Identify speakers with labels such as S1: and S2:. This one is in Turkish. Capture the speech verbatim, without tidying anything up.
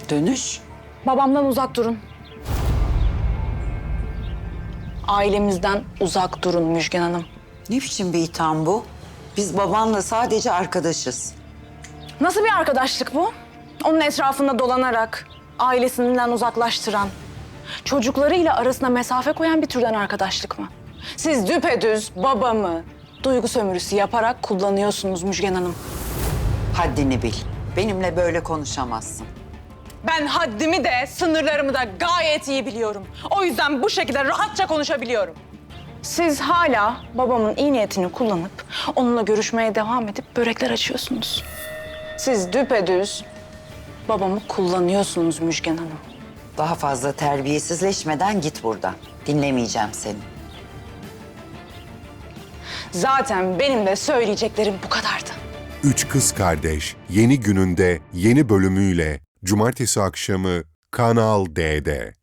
S1: Dönüş?
S2: Babamdan uzak durun. Ailemizden uzak durun Müjgan Hanım.
S1: Ne biçim bir itham bu? Biz babanla sadece arkadaşız.
S2: Nasıl bir arkadaşlık bu? Onun etrafında dolanarak, ailesinden uzaklaştıran, çocuklarıyla arasına mesafe koyan bir türden arkadaşlık mı? Siz düpedüz babamı duygu sömürüsü yaparak kullanıyorsunuz Müjgan Hanım.
S1: Haddini bil. Benimle böyle konuşamazsın.
S2: Ben haddimi de sınırlarımı da gayet iyi biliyorum. O yüzden bu şekilde rahatça konuşabiliyorum. Siz hala babamın iyi niyetini kullanıp onunla görüşmeye devam edip börekler açıyorsunuz. Siz düpedüz babamı kullanıyorsunuz Müjgan Hanım.
S1: Daha fazla terbiyesizleşmeden git buradan. Dinlemeyeceğim seni.
S2: Zaten benim de söyleyeceklerim bu kadardı.
S3: Üç Kız Kardeş yeni gününde yeni bölümüyle Cumartesi akşamı Kanal D'de.